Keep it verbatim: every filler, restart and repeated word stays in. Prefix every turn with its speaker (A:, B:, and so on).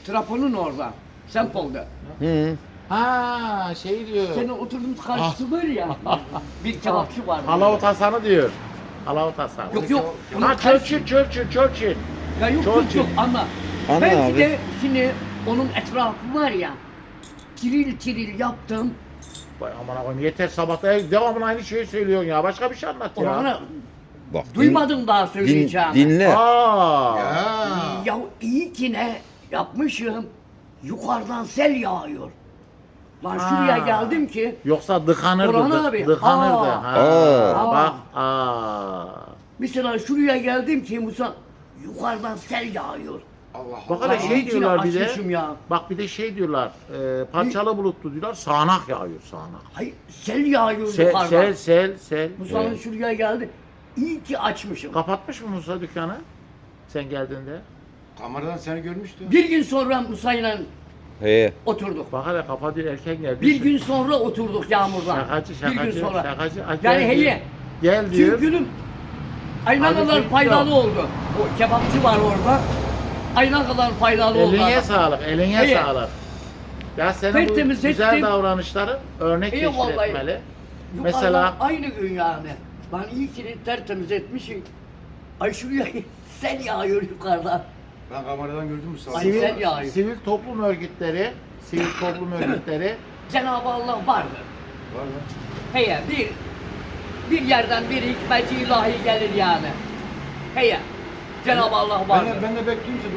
A: trafonun orada. Sempol'da.
B: Hı.
C: Ha şey diyor.
A: Senin oturduğumuz karşısı var ya. bir kebapçı var.
C: Halavut Hasan'ı diyor. Halavut Hasan.
A: Yok yok. Onun
C: Ha
A: karşı-
C: Churchill, Churchill, Churchill.
A: Ya yok
C: Çok
A: yok yok
C: iyi.
A: ama.
B: Anla
A: Belki
B: abi.
A: de şimdi onun etrafı var ya. Tiril tiril yaptım.
C: Vay aman koyayım yeter sabahta devamlı aynı şeyi söylüyorsun ya. Başka bir şey anlat ya.
A: Ona
B: Bak. din-
A: duymadım daha
B: Din,
A: söyleyeceğimi.
B: dinle.
C: Aa.
A: Ya iyi ki ne yapmışım. Yukarıdan sel yağıyor. Lan şuraya
C: Ha.
A: geldim ki.
C: Yoksa dıkanırdı.
A: Orhan
C: dı-
A: abi.
C: Dıkanırdı.
A: Aa.
C: Ha.
B: Aa.
C: Bak. Aa.
A: Mesela şuraya geldim ki Musa yukarıdan sel yağıyor.
D: Allah
C: Bak
D: Allah.
C: hele şey
A: İçine
C: diyorlar bir de.
A: açmışım ya.
C: Bak bir de şey diyorlar. E, parçalı bulutlu diyorlar. Sağanak yağıyor sağanak.
A: Hayır sel yağıyor
C: Sel,
A: yukarıdan.
C: sel, sel, sel.
A: Musa'nın
C: Evet.
A: şuraya geldi. İyi ki açmışım.
C: Kapatmış mı Musa dükkanı? Sen geldiğinde.
D: Kameradan seni görmüştüm.
A: Bir gün sonra Musa'yla
B: He.
A: oturduk.
C: Bak hele kapatıyor erken geldi.
A: Bir gün sonra oturduk yağmurdan.
C: Şakacı,
A: Bir
C: şakacı,
A: gün sonra.
C: şakacı. Ay,
A: Yani
C: gel
A: heye.
C: diyor. Gel diyor.
A: Çünkü ayna
C: Abi
A: kadar
C: çünkü
A: faydalı
C: yok.
A: oldu. O kebapçı var orada. Ayna kadar faydalı oldu.
C: Eline
A: adam.
C: sağlık, eline
A: Heye.
C: sağlık. Ya senin
A: Tertemiz
C: bu güzel
A: ettim.
C: davranışların örnek
A: İyi
C: teşkil
A: vallahi.
C: etmeli.
A: Yukarıdan
C: Mesela
A: aynı gün yani. Ben iyi ki tertemiz etmişim. Ay şuraya sel yağıyor yukarıdan.
D: Ben kameradan gördüm mü sağ
A: Ay,
C: sivil,
A: sen yağıyor.
C: sivil toplum örgütleri, sivil toplum örgütleri
A: Cenab-ı Allah vardır.
D: Var mı?
A: Heye bir bir yerden bir hikmeti ilahi gelir yani. Heye Cenab-ı Allah
D: Ben
A: vardır.
D: de, ben de bekliyorum.